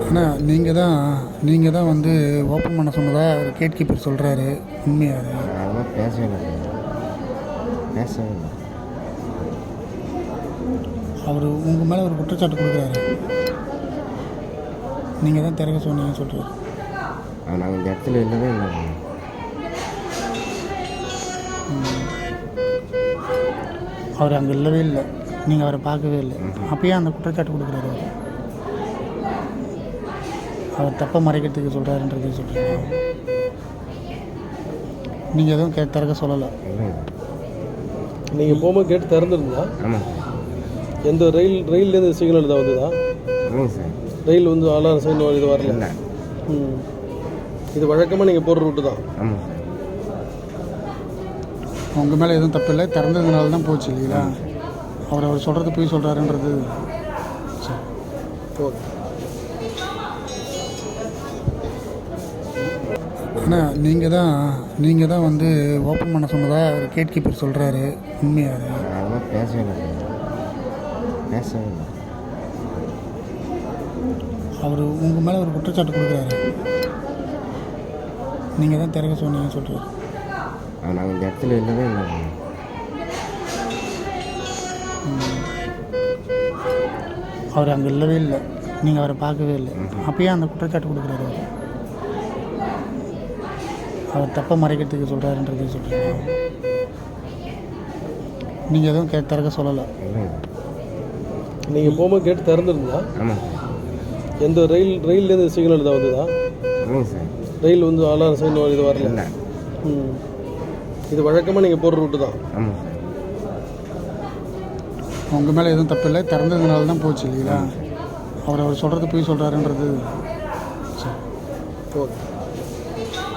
அண்ணா நீங்கள் தான் வந்து ஓப்பன் பண்ண சொன்னதா ஒரு கேட் கீப்பர் சொல்கிறாரு, உண்மையா அது? அதெல்லாம் பேசவே இல்லை. அவர் உங்கள் மேலே ஒரு குற்றச்சாட்டு கொடுக்குறாரு. நீங்கள் தான் திறக்க சொன்னீங்கன்னு சொல்கிறாரு. நாங்கள் இந்த இடத்துல இல்லவே இல்லை. அவர் அங்கே இல்லவே இல்லை, நீங்கள் அவரை பார்க்கவே இல்லை. அப்பயே அந்த குற்றச்சாட்டு கொடுக்குறாரு அவர். அவர் தப்பை மறைக்கிறதுக்கு சொல்கிறாருன்றது சொல்கிறீங்க. நீங்கள் எதுவும் திறக்க சொல்லலை. நீங்கள் போகும்போது கேட்டு திறந்துருந்தா? ஆமாம். எந்த ரயில்லேருந்து சிக்னல் தான் வந்ததா? ஆமாங்க சார். ரயில் வந்து அலாரம் சைன் இது வரல? இல்லை. இது வழக்கமாக நீங்கள் போடுற ரூட்டு தான்? ஆமாம் சார். உங்கள் மேலே எதுவும் தப்பு இல்லை, திறந்ததுனால தான் போச்சு இல்லைங்களா? அவர் சொல்கிறது போய் சொல்கிறாருன்றது. சரி, ஓகே. அண்ணா நீங்கள் தான் வந்து ஓப்பன் பண்ண சொன்னதா ஒரு கேட் கீப்பர் சொல்கிறாரு, உண்மையா அது? அதெல்லாம் பேசவே இல்லை. அவர் உங்கள் மேலே ஒரு குற்றச்சாட்டு கொடுக்குறாரு. நீங்கள் தான் திறக்க சொன்னீங்கன்னு சொல்கிறாரு. நாங்கள் இந்த இடத்துல இல்லவே இல்லை. அவர் அங்கே இல்லவே இல்லை, நீங்கள் அவரை பார்க்கவே இல்லை. அப்பயே அந்த குற்றச்சாட்டு கொடுக்குறாரு அவர். அவர் தப்பை மறைக்கிறதுக்கு சொல்கிறாருன்றது சொல்கிறீங்க. நீங்கள் எதுவும் திறக்க சொல்லலை. நீங்கள் போகும்போது கேட்டு திறந்துருந்தா? ஆமாம். எந்த ரயில்லேருந்து சிக்னல் தான் வந்ததா? ஆமாங்க சார். ரயில் வந்து அலாரம் சைன் இது வரல? இல்லை. இது வழக்கமாக நீங்கள் போடுற ரூட்டு தான்? ஆமாம் சார். உங்கள் மேலே எதுவும் தப்பு இல்லை, திறந்ததுனால தான் போச்சு இல்லைங்களா? அவர் சொல்கிறது போய் சொல்கிறாருன்றது. சரி, ஓகே.